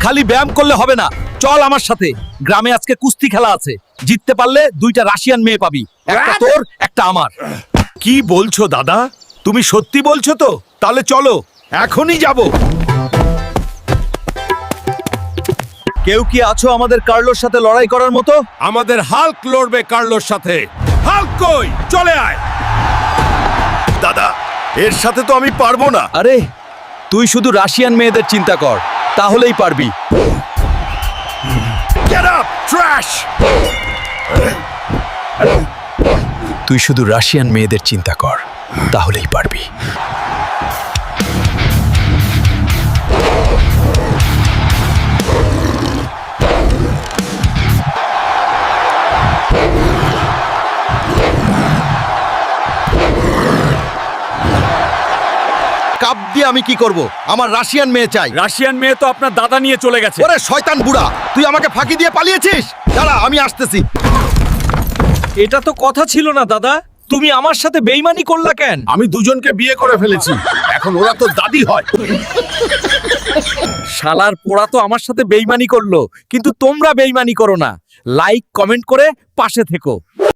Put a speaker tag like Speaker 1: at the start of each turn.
Speaker 1: খালি ব্যায়াম করলে হবে না, চল আমার সাথে। গ্রামে আজকে কুস্তি খেলা আছে, জিততে পারলে 2টা রাশিয়ান মেয়ে পাবি, একটা তোর একটা আমার। কি বলছো দাদা, তুমি সত্যি বলছো তো? তাহলে চলো, এখনই যাব। কেউ কি আছো আমাদের কার্লোর সাথে লড়াই করার মতো?
Speaker 2: আমাদের হাল্ক লড়বে কার্লোর সাথে। হাল্ক কই, চলে আয়।
Speaker 1: দাদা, এর সাথে তো আমি পারবো না। আরে তুই শুধু রাশিয়ান মেয়েদের চিন্তা কর, তাহলেই পারবি।
Speaker 2: Get up, trash.
Speaker 1: তুই শুধু রাশিয়ান মেয়েদের চিন্তা কর, তাহলেই পারবি। কাপ দিয়ে আমি কি করব? আমার রাশিয়ান মেয়ে চাই।
Speaker 2: রাশিয়ান মেয়ে তো আপনার দাদা নিয়ে চলে গেছে।
Speaker 1: ওরে শয়তান বুড়া, তুই আমাকে ফাঁকি দিয়ে পালিয়েছিস। দাঁড়া, আমি আসতেছি। এটা তো কথা ছিল না দাদা, তুমি আমার সাথে বেইমানি করলা কেন?
Speaker 2: আমি দুজনকে বিয়ে করে ফেলেছি, এখন ওরা তো দাদি হয়।
Speaker 1: শালার পোড়া তো আমার সাথে বেইমানি করলো, কিন্তু তোমরা বেইমানি করো না। লাইক কমেন্ট করে পাশে থেকো।